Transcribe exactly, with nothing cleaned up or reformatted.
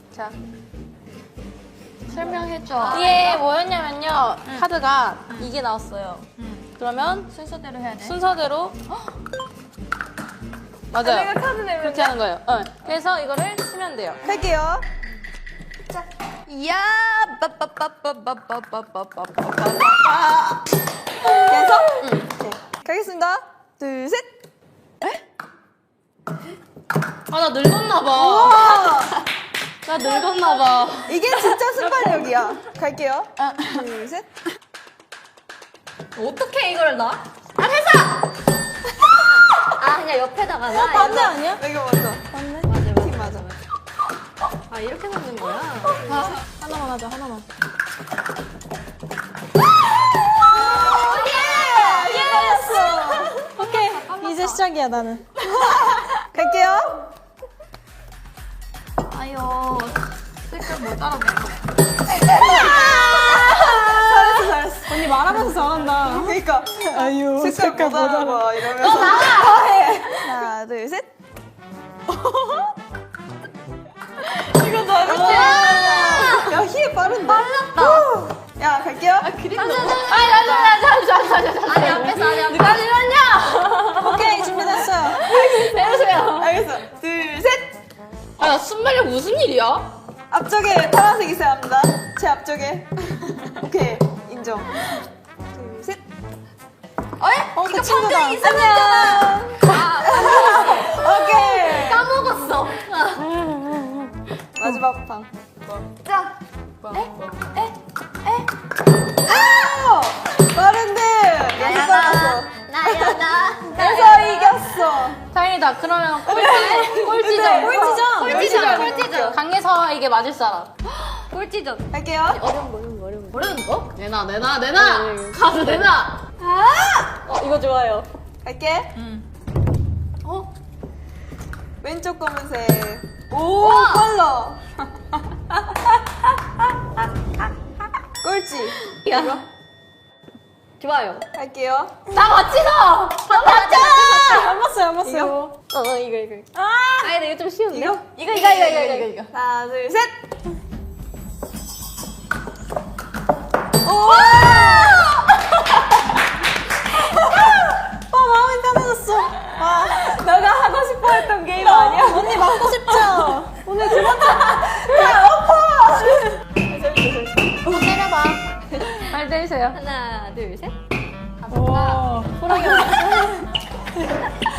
자, 설명해줘. 이게 뭐였냐면요. 응. 카드가 응. 이게 나왔어요. 응. 그러면 순서대로 해야 돼. 순서대로 맞아요. 내가 카드 내면 그렇게 하는 거예요. 어. 그래서 이거를 치면 돼요. 할게요. 자, 야, 빠빠빠빠빠빠빠빠빠빠. 계속? 응. 네. 가겠습니다. 둘, 셋. 아, 나 늙었나봐. 나 늙었나봐. 이게 진짜 순발력이야. 갈게요. 둘, 셋. 어떻게 이걸 놔? 아, 됐어! 아, 그냥 옆에다가 놔. 맞네 아니야? 이거 먼저. 맞네. 맞아, 맞아. 팀 맞아. 아, 이렇게 놓는 거야? 아, 하나만 하자, 하나만. 오케이. 이제 시작이야 나는. 갈게요. 아유, 색깔 뭐 따라 내 잘했어 잘했어. 언니 말하면서 잘한다. 그러니까. 아유, 색깔 못 알아봐 이러면서. 더 해. 하나 둘 셋. 이거 너무 야 희애 빠른데? 빨랐다. 야 갈게요. 아니, 잠시만, 잠시만, 잠시만. 아니, 앞에서, 아니, 앞에서. 누가 들었냐? 오케이 준비됐어요. 내려주세요. 알겠어. 둘 셋. 아, 나 순발력 무슨 일이야? 앞쪽에 파란색 있어야 합니다. 제 앞쪽에. 오케이 인정. 둘 셋. 어이? 어, 그 이거 친구다. 방금 있었잖아. 오케이. 까먹었어. 마지막 방. 자, 아! 빠른데 여기 빨랐어. 나야, 나. 그래서 이겼어. 다행이다. 그러면 꼴찌, 꼴찌전. 꼴찌전. 꼴찌전. 꼴찌전. 강에서 이게 맞을 사람. 꼴찌전. 할게요. 어려운 거, 어려운 거, 어려운 거. 어려운 거? 내놔, 내놔, 내놔! 가서 내놔! 어, 이거 좋아요. 갈게. 응. 어? 왼쪽 검은색. 오, 빨라. 꼴찌. 야. 이거 좋아요. 할게요. 나 맞지, 너! 나 맞잖아! 안 봤어요, 안 봤어요. 이거? 어, 어, 이거, 이거. 아! 아, 근데 이거 좀 쉬운데? 이거? 이거, 이거, 이거, 이거, 이거, 이거. 하나, 둘, 셋. 오! 아, 마음이 편해졌어. 아, 너가 하고 싶어 했던 게임 아니야? 언니 맞고 싶죠? 오늘 두 번째. 야, 아파! 한번 때려봐. 빨리 때리세요. 하나, 둘, 셋. 오, 호랑이.